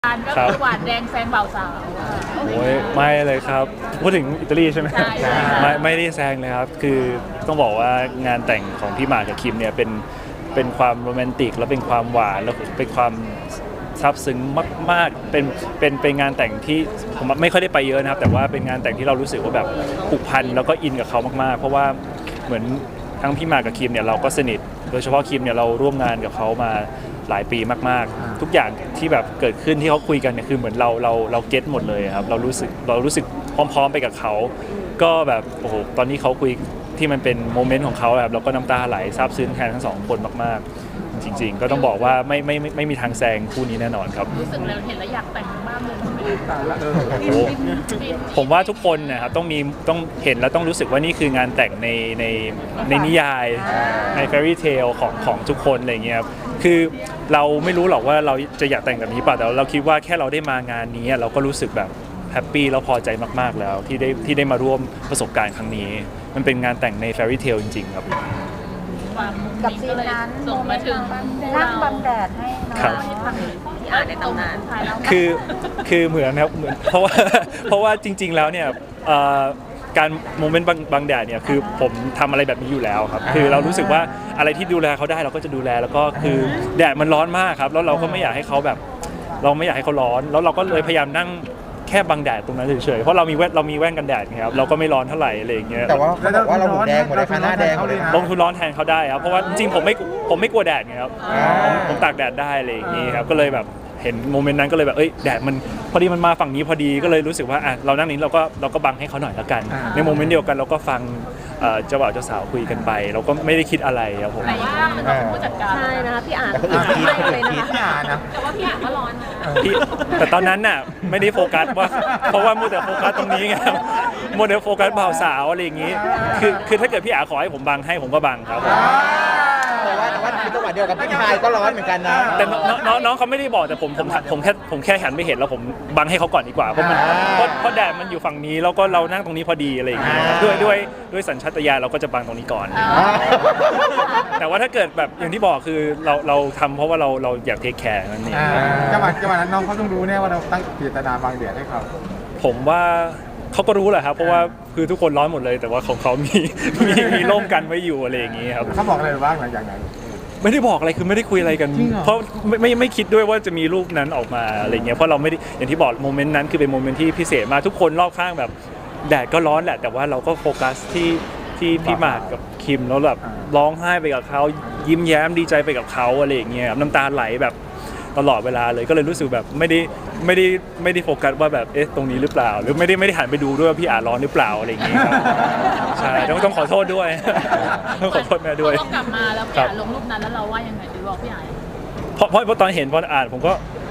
การก็คือหวานแดงแซงเบาสาวโอ้ยไม่เลยครับพูดถึงอิตาลีใช่ไหมใช่ใช่ไม่ได้แซงเลยครับคือต้องบอกว่างานแต่งของพี่หมากกับคิมเนี่ยเป็นความโรแมนติกและเป็นความหวานแล้วเป็นความซาบซึ้งมากๆเป็นงานแต่งที่ผมไม่ค่อยได้ไปเยอะนะครับแต่ว่าเป็นงานแต่งที่เรารู้สึกว่าแบบผูกพันแล้วก็อินกับเขามากๆเพราะว่าเหมือนทั้งพี่หมากกับคิมเนี่ยเราก็สนิทโดยเฉพาะคิมเนี่ยเราร่วมงานกับเขามาหลายปีมากๆทุกอย่างที่แบบเกิดขึ้นที่เขาคุยกันเนี่ยคือเหมือนเราเก็ตหมดเลยครับเรารู้สึกพร้อมๆไปกับเขาก็แบบโอ้โหตอนนี้เขาคุยที่มันเป็นโมเมนต์ของเขาแบบเราก็น้ำตาไหลซาบซึ้งแทนทั้งสองคนมากๆจริงๆก็ต้องบอกว่าไม่มีทางแซงคู่นี้แน่นอนครับรู้สึกแล้วเห็นแล้วอยากแต่งบ้านเลยโอ้โหผมว่าทุกคนนะครับต้องเห็นแล้วต้องรู้สึกว่านี่คืองานแต่งในนิยายใน fairy tale ของทุกคนอะไรเงี้ยครับคือเราไม่รู้หรอกว่าเราจะอยากแต่งแบบนี้ป่ะแต่เราคิดว่าแค่เราได้มางานนี้เราก็รู้สึกแบบแฮปปี้แล้วพอใจมากๆแล้วที่ได้มาร่วมประสบการณ์ครั้งนี้มันเป็นงานแต่งใน fairy tale จริงๆครับกับซีนนั้นส่งมาถึงนั่งบังแดดให้น้องครับที่อ่านในตำนานคือเหมือนนะครับเหมือนเพราะว่าจริง ๆแล้วเนี่ยการโมเมนต์บางแดดเนี่ยคือผมทำอะไรแบบนี้อยู่แล้วครับคือเรารู้สึกว่าอะไรที่ดูแลเขาได้เราก็จะดูแลแล้วก็คือแดดมันร้อนมากครับแล้วเราก็ไม่อยากให้เขาแบบเราไม่อยากให้เขาร้อนแล้วเราก็เลยพยายามนั่งแค่บังแดดตรงนั้นเฉยๆเพราะเรามีแว่นกันแดดไงครับเราก็ไม่ร้อนเท่าไหร่อะไรอย่างเงี้ยแต่ว่าเขาบอกว่าเราหูแดงหมดเลยค่ะหน้าแดงหมดเลยนะลงทุนร้อนแทนเขาได้ครับเพราะว่าจริงๆผมไม่กลัวแดดไงครับผมตากแดดได้อะไรอย่างงี้ครับก็เลยแบบเห็นโมเมนต์นั้นก็เลยแบบแดดมันพอดีมันมาฝั่งนี้พอดีก็เลยรู้สึกว่าเรานั่งนี้เราก็บังให้เขาหน่อยละกันในโมเมนต์เดียวกันเราก็ฟังเจ้าบ่าวเจ้าสาวคุยกันไปเราก็ไม่ได้คิดอะไรครับผมแต่ว่ามันต้องเป็นผู้จัดการใช่นะคะพี่อ่านแต่คนอื่นคิดไม่คนเลอื่ยนนะคิดคะนะแต่ว่าพี่อ่านก็ร้อนนะพี่แต่ตอนนั้นน่ะไม่ได้โฟกัสว่าเพราะว่ามัวแต่โฟกัสตรงนี้ไงมัวแต่โฟกัสบ่าวสาวอะไรอย่างงี้คือถ้าเกิดพี่อาขอให้ผมบังให้ผมก็บังครับผมแต่ว่าคือจังหวะเดียวกับพี่ชายก็ร้อนเหมือนกันนะแต่น้องเขาไม่ได้บอกแต่ผมแค่หันไปเห็นแล้วผมบังให้เขาก่อนดีกว่าเพราะมันเพราะแดดมันอยู่ฝั่งนี้แล้วก็เรานั่งตรงนี้พอดีอะไรอย่างเงี้ยด้วยสัญชาตญาณเราก็จะบังตรงนี้ก่อน แต่ว่าถ้าเกิดแบบอย่างที่บอกคือเราทำเพราะว่าเราอยากเทคแคร์นั่นเองจังหวะนั้นน้องเขาต้องรู้แน่ว่าเราตั้งเจตนาบางเดียดให้เขาผมว่าเขาก็รู้แหละครับเพราะว่าคือทุกคนร้อนหมดเลย แต่ว่าของเขามีร่มกันไว้อยู่อะไรอย่างงี้ครับเขาบอกอะไรบ้างหลังจากนั้นไม่ได้บอกอะไรคือไม่ได้คุยอะไรกันจริงเหรอเพราะไม่คิดด้วยว่าจะมีรูปนั้นออกมาอะไรเงี้ยเพราะเราไม่ได้อย่างที่บอกโมเมนต์นั้นคือเป็นโมเมนต์ที่พิเศษมากทุกคนรอบข้างแบบแดดก็ร้อนแหละแต่ว่าเราก็โฟกัสที่พี่หมากกับคิมแล้วแบบร้องไห้ไปกับเขายิ้มแย้มดีใจไปกับเขาอะไรอย่างเงี้ยครับน้ำตาไหลแบบตลอดเวลาเลยก็เลยรู้สึกแบบไม่ได้โฟกัสว่าแบบตรงนี้หรือเปล่า หรือไม่ได้หันไปดูด้วยว่าพี่อาร้อนหรือเปล่าอะไรอย่างเงี้ยครับใช่ต้องขอโทษด้วย ต้องขอโทษแม่ด้วยเรากลับมาแล้วพี่อ่านลงรูปนั้นแล้วเราว่ายังไงดีบอกพี่อ่านเพราะตอนเห็นพออ่านผมก็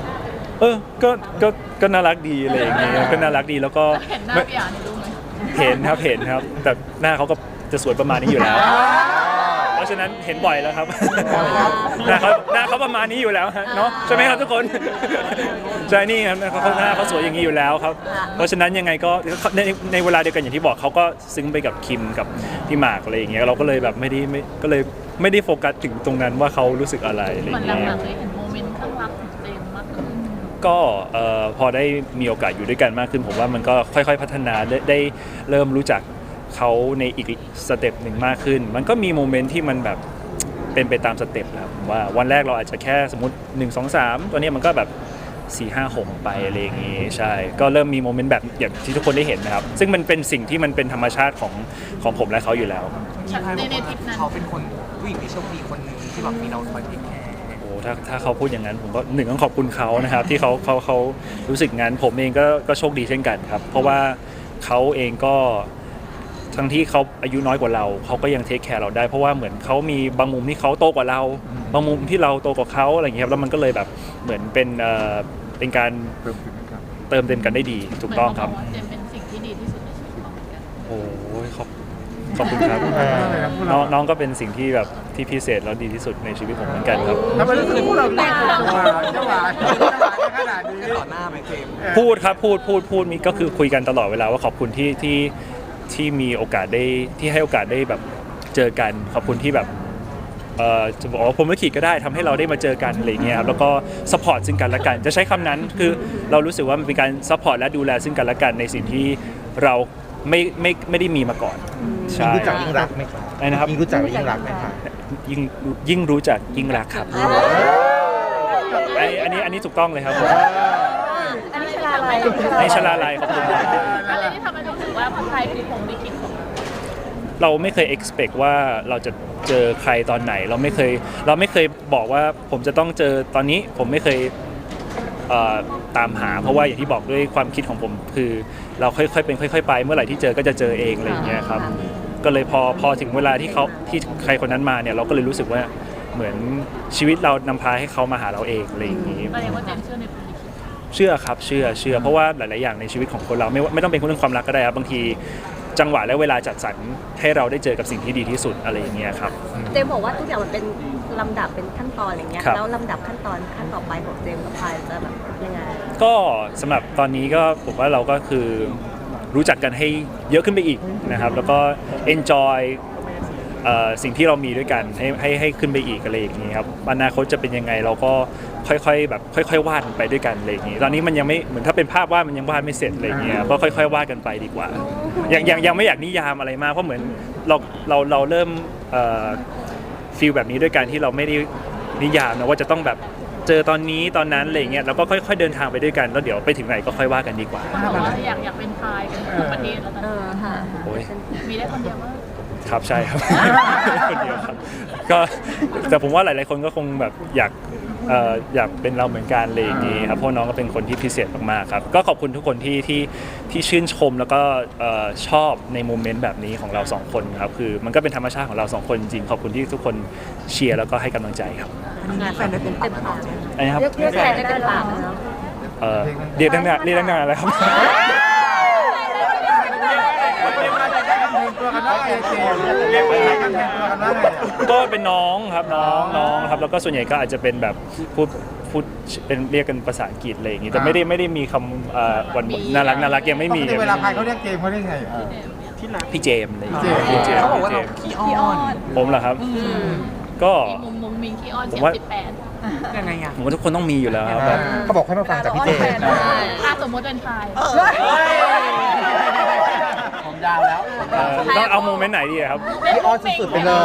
ก็น่ารักดีอะไรอย่างเงี้ยก็น่ารักดีแล้วก็เห็นหน้าพี่อ่านในรูปไหมเห็นครับแต่หน้าเขาก็จะสวยประมาณนี้อยู่แล้ว เพราะฉะนั้นเห็นบ่อยแล้วครับหน้าเขาประมาณนี้อยู่แล้วฮะเนาะใช่ไหมครับทุกคนใช่นี่ครับหน้าเขาสวยอย่างนี้อยู่แล้วครับเพราะฉะนั้นยังไงก็ในเวลาเดียวกันอย่างที่บอกเขาก็ซึ้งไปกับคิมกับพี่หมากอะไรอย่างเงี้ยเราก็เลยแบบไม่ได้โฟกัสถึงตรงนั้นว่าเขารู้สึกอะไรอะไรอเหมือนย่างหเงี้ลัยงๆเลยเห็นโมเมนต์ข้างรักของเจมส์มากขึ้นก็พอได้มีโอกาสอยู่ด้วยกันมากขึ้นผมว่ามันก็ค่อยๆพัฒนาได้เริ่มรู้จักเขาในอีกสเต็ปหนึ่งมากขึ้นมันก็มีโมเมนต์ที่มันแบบเป็นไปตามสเต็ปแล้วว่าวันแรกเราอาจจะแค่สมมติ1 2 3ตัวนี้มันก็แบบ4 5 6ไปอะไรอย่างงี้ใช่ก็เริ่มมีโมเมนต์แบบอย่างที่ทุกคนได้เห็นนะครับซึ่งมันเป็นสิ่งที่มันเป็นธรรมชาติของผมและเขาอยู่แล้วในทริปนั้นเขาเป็นคนผู้หญิงที่โชคดีคนหนึ่งที่แบบมีเราคอยเทคแคร์โอ้ถ้าเขาพูดอย่างนั้นผมก็ต้องขอบคุณเขานะครับที่เขารู้สึกงั้นผมเองก็โชคดีเช่นกันครับเพราะว่าเขาเองก็ทั้งที่เขาอายุน้อยกว่าเราเขาก็ยังเทคแคร์เราได้เพราะว่าเหมือนเขามีบางมุมที่เขาโตกว่าเราบางมุมที่เราโตกว่าเขาอะไรอย่างเงี้ยครับแล้วมันก็เลยแบบเหมือนเป็นการเติมเต็มกันได้ดีถูกต้องครับเจมส์เป็นสิ่งที่ดีที่สุดในชีวิตเขาเหมือนกันโอ้ยขอบคุณครับน้องก็เป็นสิ่งที่แบบที่พิเศษแล้วดีที่สุดในชีวิตผมเหมือนกันครับทำไมรู้สึกพวกเราแต่งตัวจังหวะขนาดนี้ต่อหน้าไหมเจมส์พูดครับพูดมีก็คือคุยกันตลอดเวลาว่าขอบคุณที่มีโอกาสได้ที่ให้โอกาสได้แบบเจอกันขอบคุณที่แบบจะบอกว่าผมลิขิตก็ได้ทำให้เราได้มาเจอกันอะไรเงี้ยครับแล้วก็ซัพพอร์ตซึ่งกันและกันจะใช้คำนั้นคือเรารู้สึกว่ามันเป็นการซัพพอร์ตและดูแลซึ่งกันและกันในสิ่งที่เราไม่ได้มีมาก่อนใช่รู้จักยิ่งรักไหมครับอะไรนะครับยิ่งรู้จักยิ่งรักไหมครับยิ่งรู้จักยิ่งรักครับอันนี้ถูกต้องเลยครับอันนี้ชลาลัยในชลาลัยขอบคุณครับอะไรที่ทำให้รู้สึกว่าใครคือผมลิขิตของเราเราไม่เคย expect ว่าเราจะเจอใครตอนไหนเราไม่เคยบอกว่าผมจะต้องเจอตอนนี้ผมไม่เคยตามหาเพราะว่าอย่างที่บอกด้วยความคิดของผมคือเราค่อยๆเป็นค่อยๆไปเมื่อไหร่ที่เจอก็จะเจอเองอะไรอย่างเงี้ยครับก็เลยพอถึงเวลาที่ใครคนนั้นมาเนี่ยเราก็เลยรู้สึกว่าเหมือนชีวิตเรานำพาให้เขามาหาเราเองอะไรอย่างงี้แสดงว่าเจมส์เชื่อในผมลิขิตเชื่อครับเชื่อเพราะว่าหลายๆอย่างในชีวิตของคนเราไม่ต้องเป็นเรื่องความรักก็ได้ครับบางทีจังหวะและเวลาจัดสรรให้เราได้เจอกับสิ่งที่ดีที่สุดอะไรอย่างเงี้ยครับเจมส์บอกว่าทุกอย่างมันเป็นลำดับเป็นขั้นตอนอะไรเงี้ยครับแล้วลำดับขั้นตอนขั้นต่อไปของเจมส์กับพายจะแบบยังไงก็สำหรับตอนนี้ก็ผมว่าเราก็คือรู้จักกันให้เยอะขึ้นไปอีกนะครับแล้วก็ enjoy สิ่งที่เรามีด้วยกันให้ขึ้นไปอีกอะไรอย่างนี้ครับอนาคตจะเป็นยังไงเราก็ค่อยๆแบบค่อยๆวาดไปด้วยกันอะไรอย่างนี้ตอนนี้มันยังไม่เหมือนถ้าเป็นภาพวาดมันยังวาดไม่เสร็จอะไรอย่างเงี้ยก็ค่อยๆวาดกันไปดีกว่ายังไม่อยากนิยามอะไรมากเพราะเหมือนเราเริ่มฟีลแบบนี้ด้วยการที่เราไม่ได้นิยามนะว่าจะต้องแบบเจอตอนนี้ตอนนั้นอะไรอย่างเงี้ยเราก็ค่อยๆเดินทางไปด้วยกันแล้วเดี๋ยวไปถึงไหนก็ค่อยว่ากันดีกว่าบอกว่าอยากเป็นพายกันทั้งประเทศแล้วตอนนี้ค่ะโอ้ยมีได้คนเดียวว่าครับใช่ครับ คนเดียวครับก็แต่ผมว่าหลายๆคนก็คงแบบอยากเป็นเราเหมือนกันเลยอย่างนี้ครับเพราะน้องก็เป็นคนที่พิเศษมากๆครับก็ขอบคุณทุกคนที่ชื่นชมแล้วก็ชอบในโมเมนต์แบบนี้ของเราสองคนครับคือมันก็เป็นธรรมชาติของเราสองคนจริงขอบคุณที่ทุกคนเชียร์แล้วก็ให้กำลังใจครับแฟนได้เต็มปากแล้วอะไรนะครับเรียกแฟนได้เป็นปากนะเรียกตั้งนานแล้วครับตัวกันว่าไงเจมส์เรียกว่ากันแทนตัวกันว่าไงก็เป็นน้องครับน้องครับแล้วก็ส่วนใหญ่ก็อาจจะเป็นแบบพูดเป็นเรียกกันภาษาอังกฤษอะไรอย่างงี้แต่ไม่ได้มีคำหวานน่ารักยังไม่มีเวลาใครเขาเรียกเจมส์เขาเรียกไงพี่เจมส์อะไรอย่างพี่เงี้ยเจมส์เขาบอกว่าเราขี้อ้อนผมเหรอครับ ก็มีมุมมิงขี้อ้อนผมเสียว่าง18 ยังไงอ่ะผมว่าทุกคนต้องมีอยู่แล้วครับแบบเขาบอกให้มาฟังจากพี่เจมส์ถ้าสมมติเป็นพายผมยาวแล้วต้องเอาโมเมนต์ไหนดีอะครับพี่อ้อนสุดๆไปเลย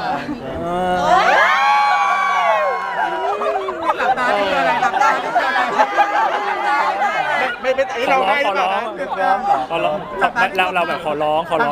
หลับตาที่อะไรหลับตาที่อะไรไม่เป็นไอ้เราให้หรือเปล่านะขอร้องเราแบบขอร้องว่า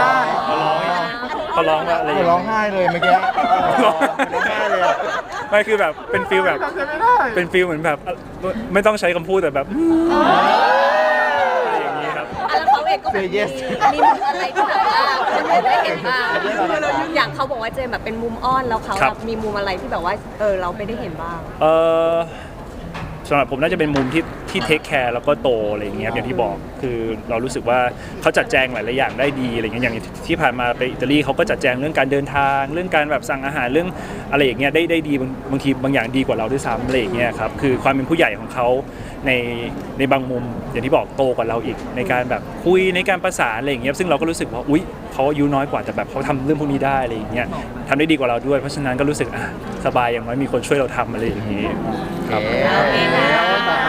อะไรอย่างร้เงี้อย งไห้เลยเมื่อกี้ร้องไห้เลยอะไม่คือแบบเป็นฟีลแบบทำใจไม่ได้เป็นฟีลเหมือนแบบไม่ต้องใช้คำพูดแต่แบบอะไรอย่างนี้ครับแล้วเขาเองก็แบบมีมุมอะไรที่แบบว่าคนอื่นได้เห็นบ้างอย่างเขาบอกว่าเจมส์แบบเป็นมุมอ้อนแล้วเขาครับแบบมีมุมอะไรที่แบบว่าเราไม่ได้เห็นบ้างสำหรับผมน่าจะเป็นมุมที่เทคแคร์แล้วก็โตอะไรอย่างเงี้ยครับอย่างที่บอกคือเรารู้สึกว่าเขาจัดแจงหลายๆอย่างได้ดีอะไรเงี้ยอย่างที่ผ่านมาไปอิตาลีเขาก็จัดแจงเรื่องการเดินทางเรื่องการแบบสั่งอาหารเรื่องอะไรอย่างเงี้ยได้ดีบางทีบางอย่างดีกว่าเราด้วยซ้ำอะไรอย่างเงี้ยครับคือความเป็นผู้ใหญ่ของเขาในบางมุมอย่างที่บอกโตกว่าเราอีกในการแบบคุยในการประสานอะไรอย่างเงี้ยซึ่งเราก็รู้สึกว่าอุ๊ยเขาอายุน้อยกว่าแต่แบบเขาทำเรื่องพวกนี้ได้อะไรอย่างเงี้ยทำได้ดีกว่าเราด้วยเพราะฉะนั้นก็รู้สึกสบายอย่างน้อยมีคนช่วยเราทำอะไรอย่างงี้ครับโอเคค่ะ